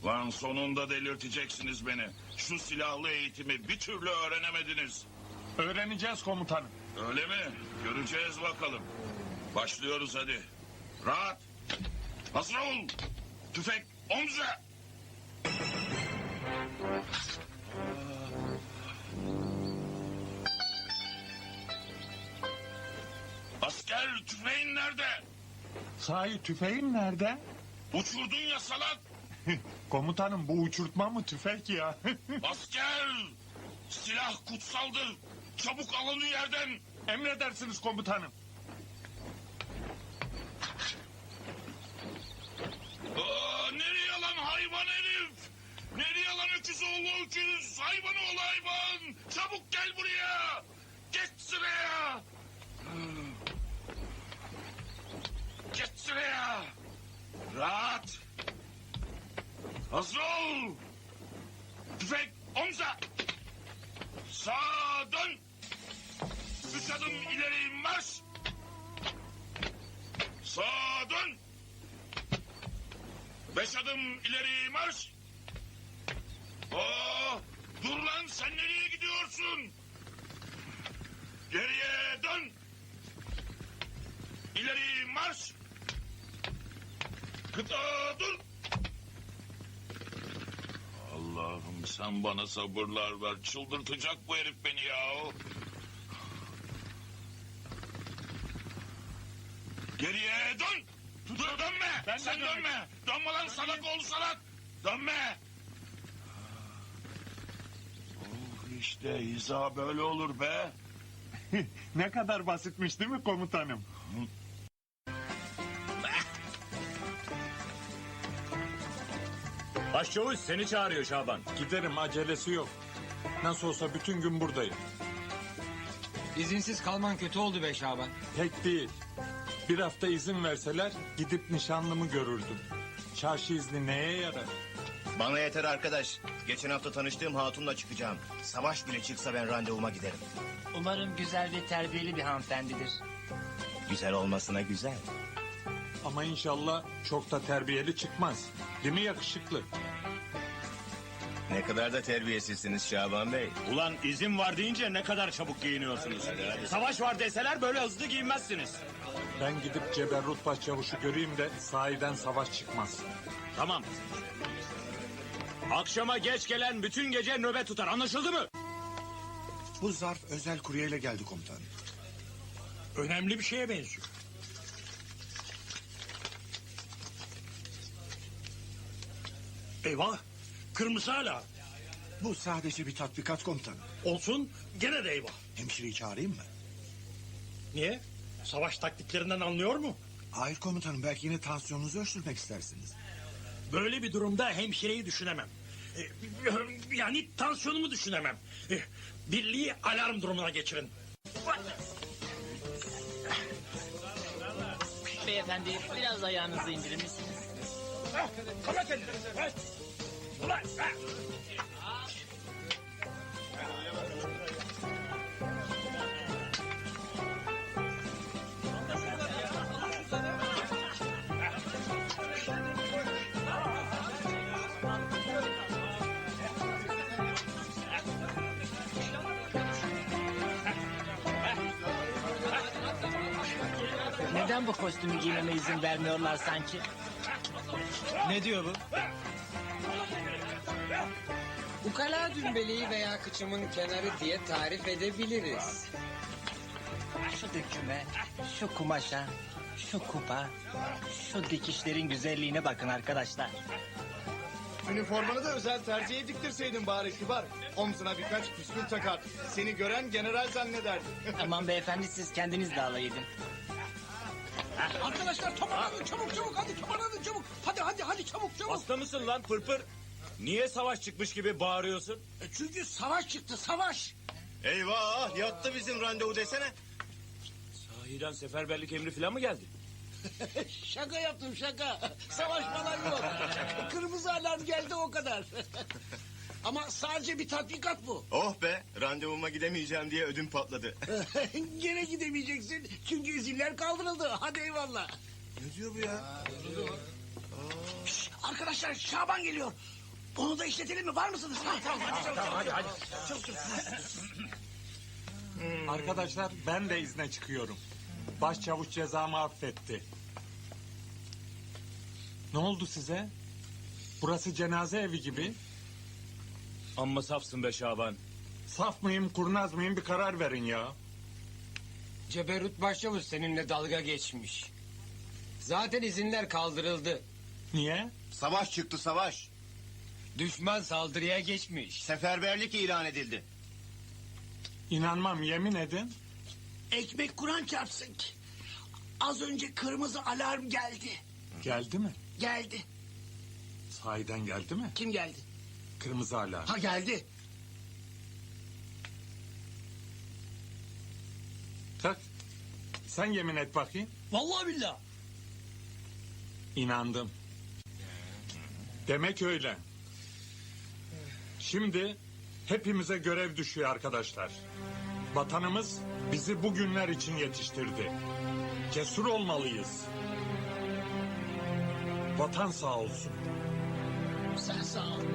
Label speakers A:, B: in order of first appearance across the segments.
A: Lan sonunda delirteceksiniz beni. Şu silahlı eğitimi bir türlü öğrenemediniz.
B: Öğreneceğiz komutanım.
A: Öyle mi? Göreceğiz bakalım. Başlıyoruz hadi. Rahat. Hazır ol. Tüfek omza. Asker tüfeğin nerede?
B: Sahi tüfeğin nerede?
A: Uçurdun ya salak.
B: Komutanım bu uçurtma mı tüfek ya?
A: Asker. Silah kutsaldır. Çabuk alın yerden.
B: Emredersiniz komutanım.
A: Nereye lan hayvan herif? Nereye lan öküz oğlu öküz? Hayvan oğlu hayvan. Çabuk gel buraya. Geç sıraya. Geç sıraya. Rahat. Hazır ol. Tüfek omza. Sağa dön. 3 adım ileri marş. Sağa dön. 5 adım ileri marş. Dur lan, sen nereye gidiyorsun? Geriye dön. İleri marş. Kıta dur. Allah'ım sen bana sabırlar ver. Çıldırtacak bu herif beni ya. Geriye dön. Dur dönme. Sen dönme. Dönme lan salak oğlu salak. Dönme. İşte hiza böyle olur be.
B: Ne kadar basitmiş değil mi komutanım?
C: Başçavuş seni çağırıyor Şaban.
B: Giderim, acelesi yok. Nasıl olsa bütün gün buradayım.
D: İzinsiz kalman kötü oldu be Şaban.
B: Pek değil. Bir hafta izin verseler gidip nişanlımı görürdüm. Çarşı izni neye yarar?
E: Bana yeter arkadaş. Geçen hafta tanıştığım hatunla çıkacağım. Savaş bile çıksa ben randevuma giderim.
F: Umarım güzel ve terbiyeli bir hanımefendidir.
E: Güzel olmasına güzel.
B: Ama inşallah çok da terbiyeli çıkmaz. Değil mi yakışıklı?
E: Ne kadar da terbiyesizsiniz Şaban Bey.
C: Ulan izin var deyince ne kadar çabuk giyiniyorsunuz. Savaş var deseler böyle hızlı giyinmezsiniz.
B: Ben gidip Ceberrut Başçavuş'u göreyim de sahiden savaş çıkmaz.
C: Tamam. Akşama geç gelen bütün gece nöbet tutar, anlaşıldı mı?
G: Bu zarf özel kuryeyle geldi komutanım.
H: Önemli bir şeye benziyor. Eyvah, kırmızı hala.
G: Bu sadece bir tatbikat komutanım.
H: Olsun, gene de eyvah.
G: Hemşireyi çağırayım mı?
H: Niye? Savaş taktiklerinden anlıyor mu?
G: Hayır komutanım, belki yine tansiyonunuzu ölçtürmek istersiniz.
H: Böyle bir durumda hemşireyi düşünemem. Yani tansiyonumu düşünemem. Birliği alarm durumuna geçirin.
F: Beyefendi biraz ayağınızı indirir misiniz?
H: Kala kendini. Ulan.
F: Neden bu kostümü giymeme izin vermiyorlar sanki?
D: Ne diyor bu? Ukala dümbeleği veya kıçımın kenarı diye tarif edebiliriz.
F: Şu döküme, şu kumaşa, şu kupa, şu dikişlerin güzelliğine bakın arkadaşlar.
I: Üniformanı da özel terziye diktirseydin bari kibar. Omzuna birkaç püskül takar. Seni gören general zannederdi.
F: Aman beyefendi siz kendiniz de alay edin.
H: Arkadaşlar toparlanın çabuk hadi toparlanın çabuk. Hadi çabuk.
C: Hasta mısın lan pırpır? Niye savaş çıkmış gibi bağırıyorsun?
H: Çünkü savaş çıktı savaş.
E: Eyvah, yattı bizim randevu desene.
C: Sahiden seferberlik emri falan mı geldi?
H: Şaka yaptım şaka. Savaş falan yok. Kırmızı alarm geldi o kadar. Ama sadece bir tatbikat bu.
E: Oh be, randevuma gidemeyeceğim diye ödüm patladı.
H: Gene gidemeyeceksin çünkü izinler kaldırıldı. Hadi eyvallah.
G: Ne diyor bu ya?
H: Şşş, arkadaşlar Şaban geliyor. Onu da işletelim mi? Var mısınız? Hadi.
B: Arkadaşlar ben de izne çıkıyorum. Başçavuş cezamı affetti. Ne oldu size? Burası cenaze evi gibi.
C: Amma safsın be Şaban.
B: Saf mıyım, kurnaz mıyım bir karar verin ya.
D: Ceberut Başçavuş seninle dalga geçmiş. Zaten izinler kaldırıldı.
B: Niye?
E: Savaş çıktı savaş.
D: Düşman saldırıya geçmiş.
E: Seferberlik ilan edildi.
B: İnanmam, yemin edin.
H: Ekmek Kur'an çarpsın ki. Az önce kırmızı alarm geldi.
B: Geldi mi?
H: Geldi.
B: Sahiden geldi mi?
H: Kim geldi?
B: Kırmızı alarm.
H: Ha geldi.
B: Tak. Sen yemin et bakayım.
H: Vallahi billah.
B: İnandım. Demek öyle. Şimdi hepimize görev düşüyor arkadaşlar. Vatanımız bizi bugünler için yetiştirdi. Cesur olmalıyız. Vatan sağ olsun.
H: Sen sağ ol.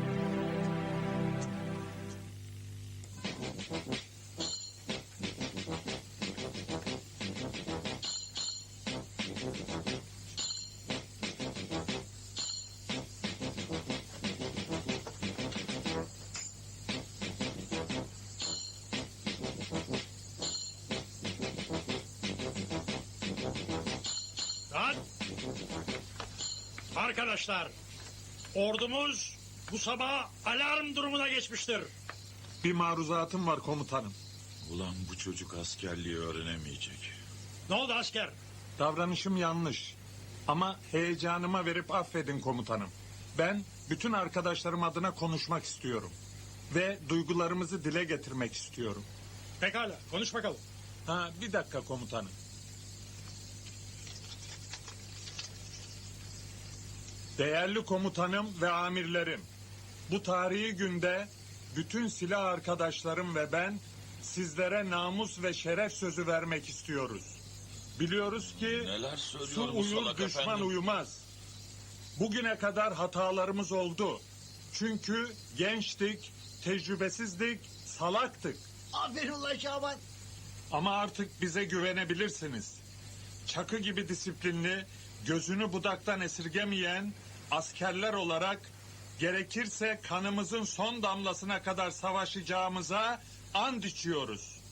C: Lan! Arkadaşlar, ordumuz bu sabah alarm durumuna geçmiştir.
B: Bir maruzatım var komutanım.
A: Ulan bu çocuk askerliği öğrenemeyecek.
C: Ne oldu asker?
B: Davranışım yanlış. Ama heyecanıma verip affedin komutanım. Ben bütün arkadaşlarım adına konuşmak istiyorum. Ve duygularımızı dile getirmek istiyorum.
C: Pekala, konuş bakalım.
B: Ha, bir dakika komutanım. Değerli komutanım ve amirlerim, bu tarihi günde bütün silah arkadaşlarım ve ben sizlere namus ve şeref sözü vermek istiyoruz. Biliyoruz ki
A: Neler
B: su
A: söylüyor bu
B: uyur
A: salak
B: düşman
A: efendim?
B: uyumaz. Bugüne kadar hatalarımız oldu. Çünkü gençtik, tecrübesizdik, salaktık.
H: Aferin ulan Şaban.
B: Ama artık bize güvenebilirsiniz. Çakı gibi disiplinli, gözünü budaktan esirgemeyen askerler olarak gerekirse kanımızın son damlasına kadar savaşacağımıza and içiyoruz.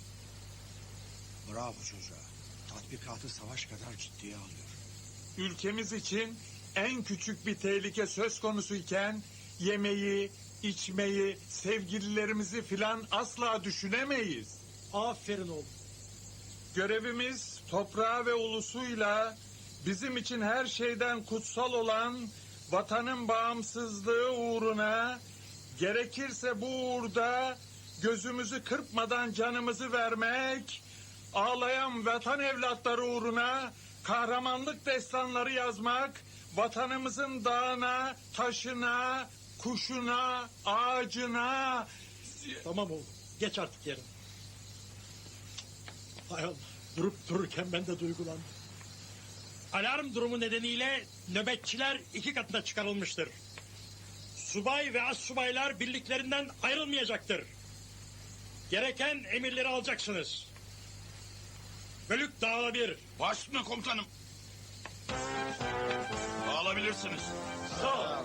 G: Bravo çocuğa. Tatbikatı savaş kadar ciddiye alıyor.
B: Ülkemiz için en küçük bir tehlike söz konusu iken yemeği, içmeyi, sevgililerimizi filan asla düşünemeyiz.
C: Aferin oğlum.
B: Görevimiz toprağı ve ulusuyla bizim için her şeyden kutsal olan vatanın bağımsızlığı uğruna gerekirse bu uğurda gözümüzü kırpmadan canımızı vermek, ağlayan vatan evlatları uğruna kahramanlık destanları yazmak, vatanımızın dağına, taşına, kuşuna, ağacına...
C: Tamam oğlum, geç artık yerine. Hay Allah, durup dururken ben de duygulandım. Alarm durumu nedeniyle nöbetçiler 2 katına çıkarılmıştır. Subay ve astsubaylar birliklerinden ayrılmayacaktır. Gereken emirleri alacaksınız. Bölük dağılabilir.
A: Baş üstüne komutanım. Alabilirsiniz.
C: Sağ ol.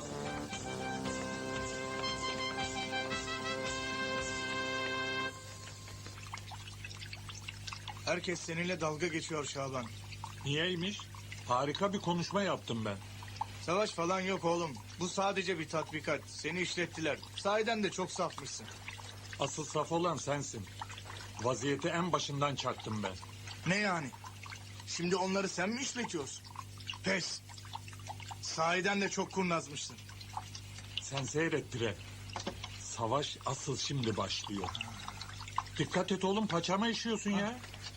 I: Herkes seninle dalga geçiyor Şaban.
B: Niyeymiş? Harika bir konuşma yaptım ben.
I: Savaş falan yok oğlum. Bu sadece bir tatbikat. Seni işlettiler. Sahiden de çok safmışsın.
B: Asıl saf olan sensin. Vaziyeti en başından çaktım ben.
I: Ne yani? Şimdi onları sen mi işletiyorsun? Pes. Sahiden de çok kurnazmışsın.
B: Sen seyret Dire. Savaş asıl şimdi başlıyor. Dikkat et oğlum, paçama işiyorsun ya.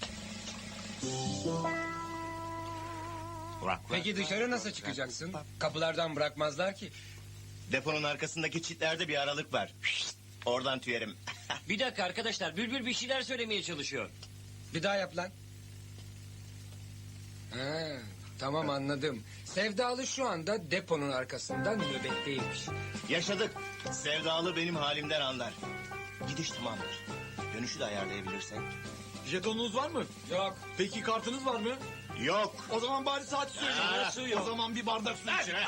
D: Peki dışarı nasıl çıkacaksın? Kapılardan bırakmazlar ki.
E: Deponun arkasındaki çitlerde bir aralık var. Oradan tüyerim.
F: Bir dakika arkadaşlar, Bülbül bir şeyler söylemeye çalışıyor.
D: Bir daha yap lan. Ha, Tamam anladım. Sevdalı şu anda deponun arkasından nöbetteymiş.
E: Yaşadık. Sevdalı benim halimden anlar. Gidiş tamamdır. Dönüşü de ayarlayabilirsek.
I: Jetonunuz var mı?
D: Yok.
I: Peki kartınız var mı?
E: Yok.
I: O zaman bari saat söyleyin. O zaman bir bardak su için.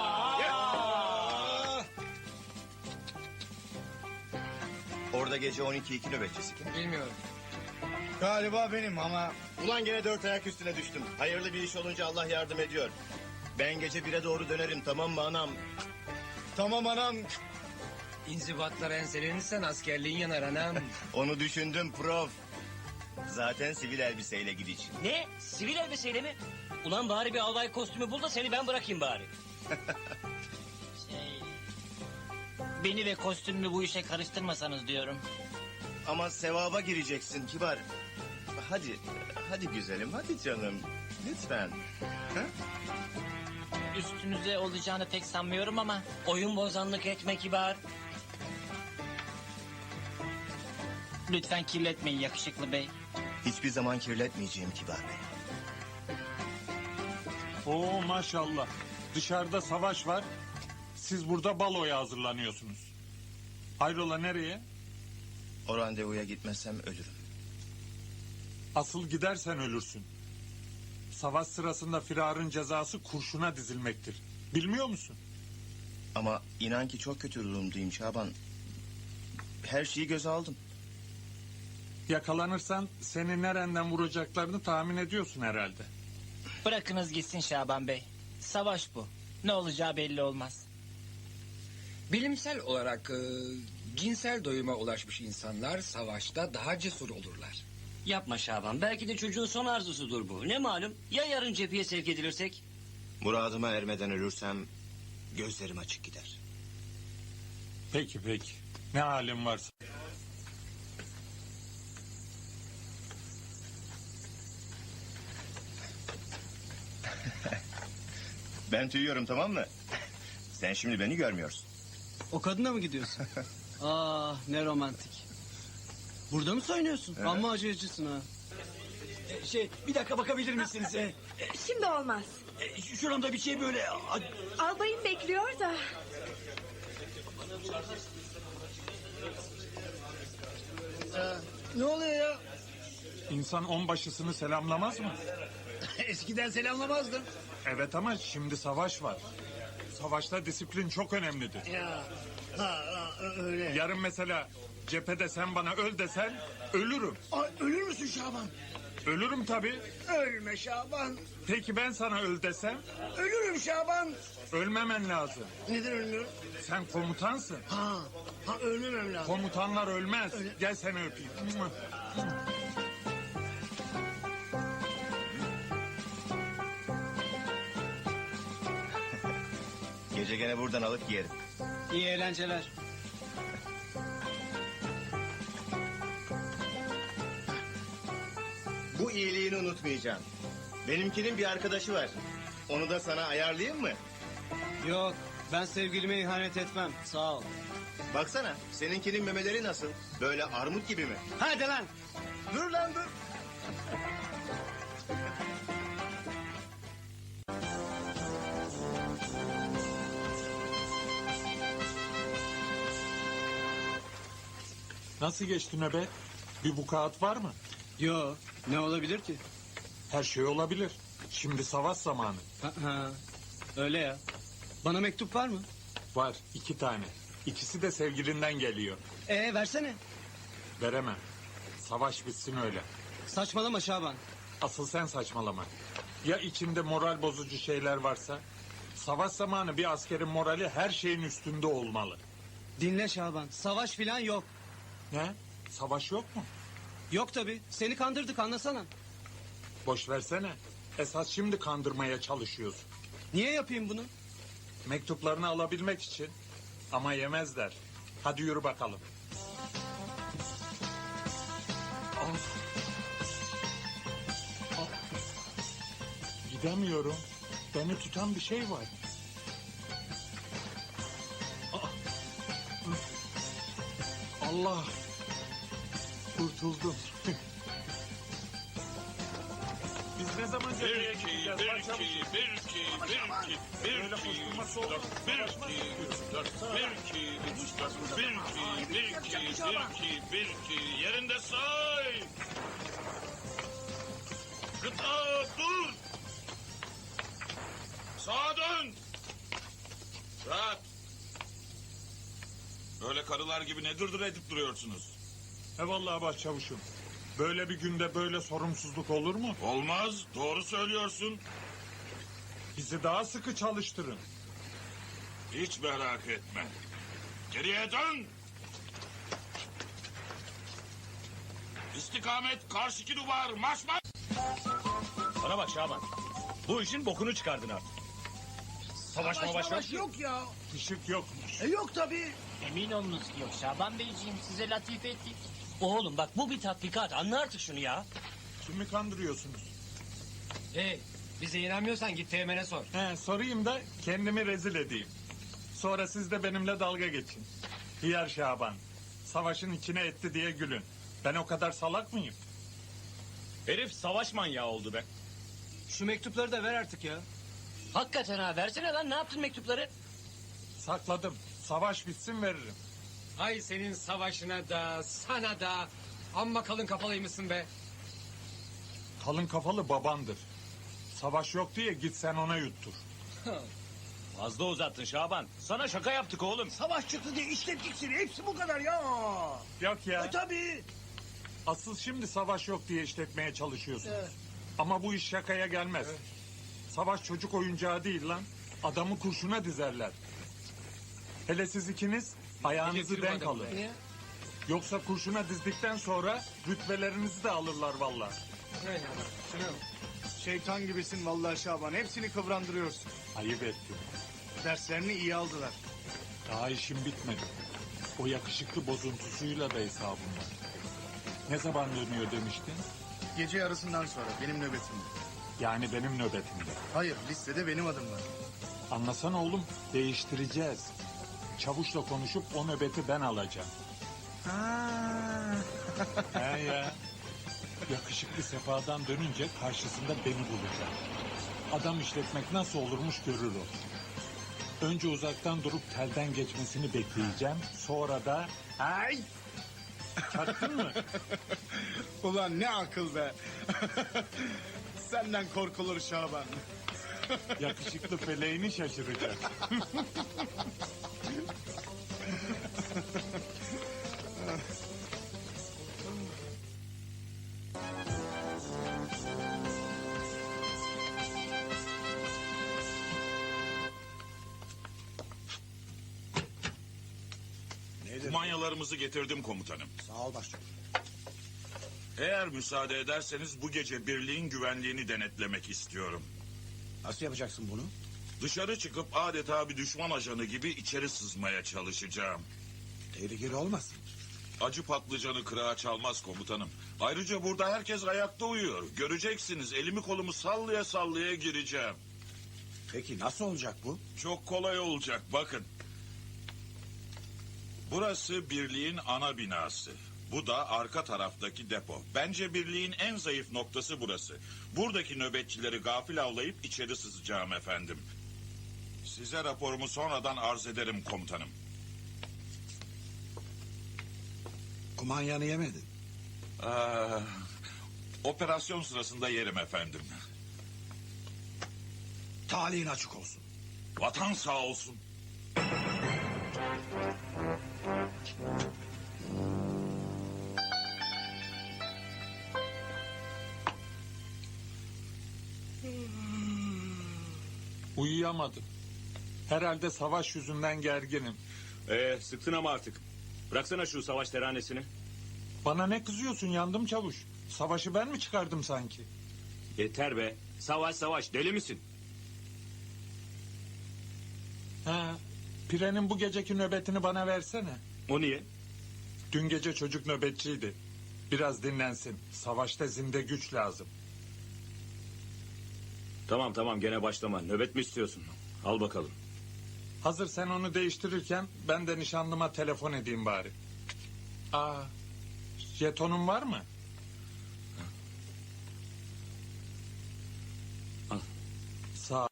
E: Orada gece 12-2 nöbetçisi kim?
D: Bilmiyorum.
I: Galiba benim ama...
E: Ulan gene 4 ayak üstüne düştüm. Hayırlı bir iş olunca Allah yardım ediyor. Ben gece 1'e doğru dönerim, tamam mı anam?
I: Tamam anam.
D: İnzibatlara enselenirsen askerliğin yanar anam.
E: Onu düşündüm prof. Zaten sivil elbiseyle gidiş.
F: Ne? Sivil elbiseyle mi? Ulan bari bir albay kostümü bul da seni ben bırakayım bari. Beni ve kostümümü bu işe karıştırmasanız diyorum.
E: Ama sevaba gireceksin kibar. Hadi güzelim, hadi canım. Lütfen.
F: Üstünüze olacağını pek sanmıyorum ama... Oyun bozanlık etme kibar. Lütfen kirletmeyin yakışıklı bey.
E: Hiçbir zaman kirletmeyeceğim kibar bey.
B: Oo maşallah. Dışarıda savaş var. Siz burada baloya hazırlanıyorsunuz. Hayrola nereye?
E: O randevuya gitmezsem ölürüm.
B: Asıl gidersen ölürsün. Savaş sırasında firarın cezası kurşuna dizilmektir. Bilmiyor musun?
E: Ama inan ki çok kötü durumdayım Şaban. Her şeyi göze aldım.
B: Yakalanırsan seni nereden vuracaklarını tahmin ediyorsun herhalde.
F: Bırakınız gitsin Şaban bey. Savaş bu. Ne olacağı belli olmaz.
D: Bilimsel olarak cinsel doyuma ulaşmış insanlar savaşta daha cesur olurlar.
F: Yapma Şaban. Belki de çocuğun son arzusudur bu. Ne malum? Ya yarın cepheye sevk edilirsek?
E: Muradıma ermeden ölürsem gözlerim açık gider.
B: Peki. Ne halin varsa.
E: Ben tüyüyorum, tamam mı? Sen şimdi beni görmüyorsun.
J: O kadına mı gidiyorsun? Ah ne romantik. Burada mı soyunuyorsun? Amma acıyacısın ha. Bir dakika bakabilir misiniz?
K: Şimdi olmaz.
J: Şuramda bir şey böyle...
K: Albayım bekliyor da.
H: Ne oluyor ya?
B: İnsan onbaşısını selamlamaz mı?
H: Eskiden selamlamazdım.
B: Evet ama şimdi savaş var. Savaşta disiplin çok önemlidir.
H: Ya. Öyle.
B: Yarın mesela cephede sen bana öl desen ölürüm.
H: Ay, ölür müsün Şaban?
B: Ölürüm tabii.
H: Ölme Şaban.
B: Peki ben sana öl desem
H: Ölürüm Şaban.
B: ölmemen lazım.
H: Neden ölmüyorum?
B: Sen komutansın.
H: Ha ölmemem lazım.
B: Komutanlar ölmez. Gel seni öpeyim.
E: Gece gene buradan alıp giyerim.
J: İyi eğlenceler.
E: Bu iyiliğini unutmayacağım. Benimkinin bir arkadaşı var. Onu da sana ayarlayayım mı?
J: Yok ben sevgilime ihanet etmem. Sağ ol.
E: Baksana, seninkinin memeleri nasıl? Böyle armut gibi mi?
J: Hadi lan.
E: Dur lan dur.
B: Nasıl geçti nöbet? Bir vukuat var mı?
J: Yo ne olabilir ki?
B: Her şey olabilir. Şimdi savaş zamanı.
J: Ha, öyle ya. Bana mektup var mı?
B: Var 2 tane. İkisi de sevgilinden geliyor.
J: Versene.
B: Veremem. Savaş bitsin öyle.
J: Saçmalama Şaban.
B: Asıl sen saçmalama. Ya içinde moral bozucu şeyler varsa? Savaş zamanı bir askerin morali her şeyin üstünde olmalı.
J: Dinle Şaban. Savaş filan yok.
B: Ne? Savaş yok mu?
J: Yok tabii. Seni kandırdık anlasana.
B: Boş versene. Esas şimdi kandırmaya çalışıyorsun.
J: Niye yapayım bunu?
B: Mektuplarını alabilmek için. Ama yemezler. Hadi yürü bakalım. Of. Of. Gidemiyorum. Beni tutan bir şey var. Ah. Allah. Kurtuldum. Biz Ne zaman
A: Bir
B: cepheye
A: iki,
B: gideceğiz?
A: bir
B: Başlamış.
A: iki, bir iki, bir iki, bir
B: Böyle
A: iki,
B: koşturması
A: üç,
B: olur.
A: dört, bir
B: Savaşmak
A: iki, üç, dört, bir iki, üç, dört, bir iki, bir iki, bir iki, yerinde say. Gıda dur. Sağa dön. Rahat. Böyle karılar gibi ne dırdır edip duruyorsunuz?
B: Eyvallah başçavuşum. Böyle bir günde böyle sorumsuzluk olur mu?
A: Olmaz, doğru söylüyorsun.
B: Bizi daha sıkı çalıştırın.
A: Hiç merak etme. Geriye dön. İstikamet karşıki duvar, marş marş.
C: Bana bak Şaban. Bu işin bokunu çıkardın artık. Savaş
H: Savaş yok ya.
B: Işık yokmuş.
H: Yok tabii.
F: Emin olunuz ki yok Şaban Beyciğim, size latife ettik. Oğlum bak, bu bir tatbikat, anla artık şunu ya.
B: Kimi kandırıyorsunuz?
D: Hey, bize inanmıyorsan git Teğmen'e sor.
B: Sorayım da kendimi rezil edeyim. Sonra siz de benimle dalga geçin. Hıyar Şaban. Savaşın içine etti diye gülün. Ben o kadar salak mıyım?
C: Herif savaş manyağı oldu be.
J: Şu mektupları da ver artık ya.
F: Hakikaten ha, versene lan, ne yaptın mektupları?
B: Sakladım. Savaş bitsin veririm.
D: Hay senin savaşına da sana da. Amma kalın kafalıymışsın be.
B: Kalın kafalı babandır. Savaş yok diye git sen ona yuttur.
C: Fazla uzattın Şaban. Sana şaka yaptık oğlum.
H: Savaş çıktı diye işlettik seni. Hepsi bu kadar ya.
B: Yok ya.
H: Tabii.
B: Asıl şimdi savaş yok diye işletmeye çalışıyorsunuz. Ama bu iş şakaya gelmez. Savaş çocuk oyuncağı değil lan. Adamı kurşuna dizerler. Hele siz ikiniz ayağınızı denk alın. Yoksa kurşuna dizdikten sonra rütbelerinizi de alırlar vallahi.
I: Şeytan gibisin vallahi Şaban. Hepsini kıvrandırıyorsun.
B: Ayıp ettin.
I: Derslerini iyi aldılar.
B: Daha işim bitmedi. O yakışıklı bozuntusuyla da hesabım var. Ne zaman dönüyor demiştin?
I: Gece yarısından sonra benim nöbetimde.
B: Yani benim nöbetimde.
I: Hayır listede benim adım var.
B: Anlasana oğlum, değiştireceğiz. Çavuşla konuşup o nöbeti ben alacağım. He ya. Yakışıklı sefadan dönünce karşısında beni bulacak. Adam işletmek nasıl olurmuş görür o. Önce uzaktan durup telden geçmesini bekleyeceğim. Sonra da... Ay! Çaktın mı?
I: Ulan ne akıl be. Senden korkulur Şaban.
B: Yakışıklı feleğini şaşıracak.
A: Kumanyalarımızı getirdim komutanım.
G: Sağ ol başçavuş.
A: Eğer müsaade ederseniz bu gece birliğin güvenliğini denetlemek istiyorum.
G: Nasıl yapacaksın bunu?
A: Dışarı çıkıp adeta bir düşman ajanı gibi içeri sızmaya çalışacağım.
G: Tehlikeli olmasın.
A: Acı patlıcanı kırağa çalmaz komutanım. Ayrıca burada herkes ayakta uyuyor. Göreceksiniz, elimi kolumu sallaya sallaya gireceğim.
G: Peki nasıl olacak bu?
A: Çok kolay olacak, bakın. Burası birliğin ana binası. Bu da arka taraftaki depo. Bence birliğin en zayıf noktası burası. Buradaki nöbetçileri gafil avlayıp içeri sızacağım efendim. Size raporumu sonradan arz ederim komutanım.
G: Kumanyanı yemedin.
A: Operasyon sırasında yerim efendim.
G: Talihin açık olsun.
A: Vatan sağ olsun.
B: Uyuyamadım. Herhalde savaş yüzünden gerginim.
C: Sıktın ama artık. Bıraksana şu savaş teranesini.
B: Bana ne kızıyorsun, yandım çavuş. Savaşı ben mi çıkardım sanki?
C: Yeter be. Savaş savaş, deli misin?
B: Ha, Pire'nin bu geceki nöbetini bana versene.
C: O niye?
B: Dün gece çocuk nöbetçiydi. Biraz dinlensin. Savaşta zinde güç lazım.
C: Tamam gene başlama. Nöbet mi istiyorsun? Al bakalım.
B: Hazır sen onu değiştirirken ben de nişanlıma telefon edeyim bari. Jetonun var mı? Sağ.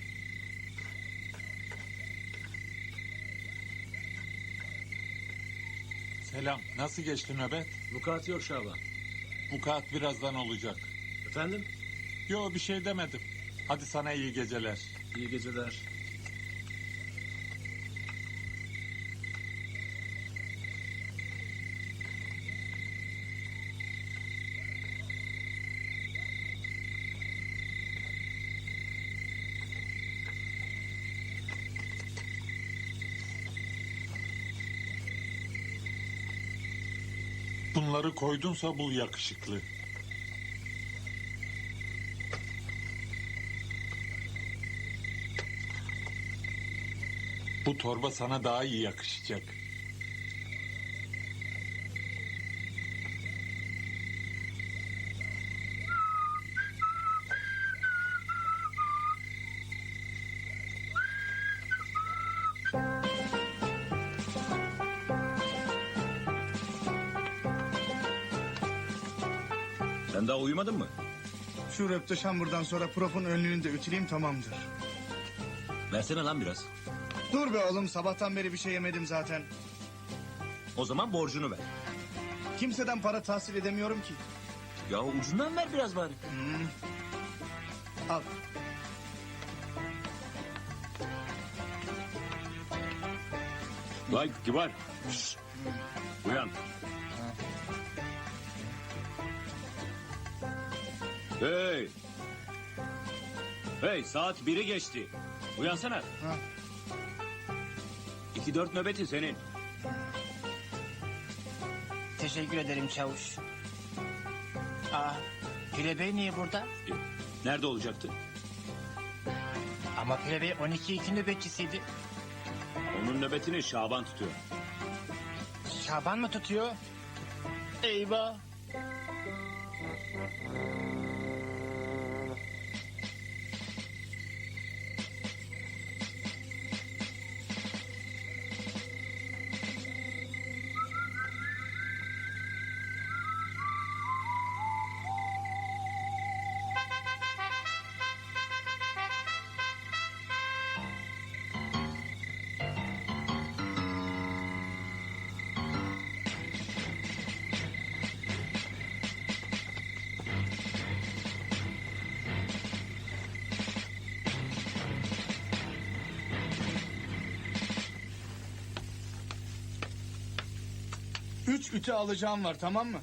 B: Selam. Nasıl geçti nöbet?
J: Vukuat yok Şaban.
B: Vukuat birazdan olacak.
J: Efendim?
B: Yo, bir şey demedim. Hadi sana iyi geceler.
J: İyi geceler.
B: Bunları koydunsa bul yakışıklı. Bu torba sana daha iyi yakışacak.
C: Sen daha uyumadın mı?
I: Şu röpteşamburdan sonra profun önlüğünü de ütüleyeyim tamamdır.
C: Versene lan biraz.
I: Dur be oğlum sabahtan beri bir şey yemedim zaten.
C: O zaman borcunu ver.
I: Kimseden para tahsil edemiyorum ki.
C: Ya ucundan ver biraz bari.
I: Al.
C: Vay kibar. Şşş. Uyan. Hey. Hey, saat 1'i geçti. Uyansana.
I: Ha.
C: 2-4 nöbeti senin.
L: Teşekkür ederim çavuş. Aa, Pire Bey niye burada?
C: Nerede olacaktı?
L: Ama Pire Bey 12-2 nöbetçisiydi.
C: Onun nöbetini Şaban tutuyor.
L: Şaban mı tutuyor? Eyvah.
I: Üç ütü alacağım var tamam mı?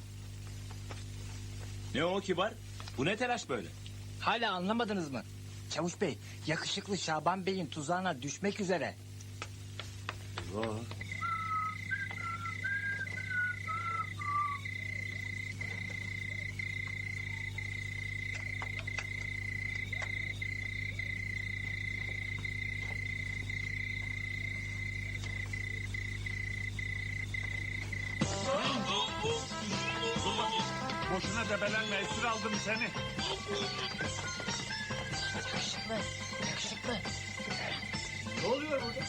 C: Ne o kibar? Bu ne telaş böyle?
L: Hala anlamadınız mı? Çavuş Bey, yakışıklı Şaban Bey'in tuzağına düşmek üzere.
C: Eyvah.
B: Boşuna debelenme, esir aldım seni.
L: Yakışıklı, yakışıklı.
I: Ne oluyor burada?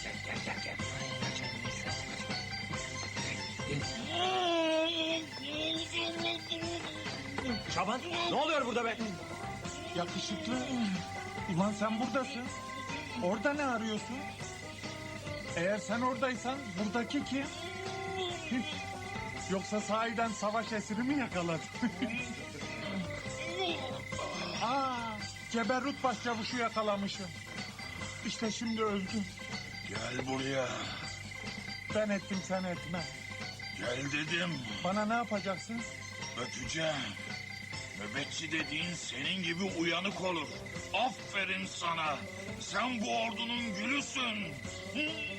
C: Şaban, ne oluyor burada be?
B: Yakışıklı. Ulan sen buradasın. Orada ne arıyorsun? Eğer sen oradaysan buradaki kim? Hiç. Yoksa sahiden savaş esiri mi yakaladın? Aa, Ceberrut Başçavuş'u yakalamışım. İşte şimdi öldüm.
A: Gel buraya.
B: Ben ettim, sen etme.
A: Gel dedim.
B: Bana ne yapacaksın?
A: Öpeceğim. Nöbetçi dediğin senin gibi uyanık olur. Aferin sana. Sen bu ordunun gülüsün.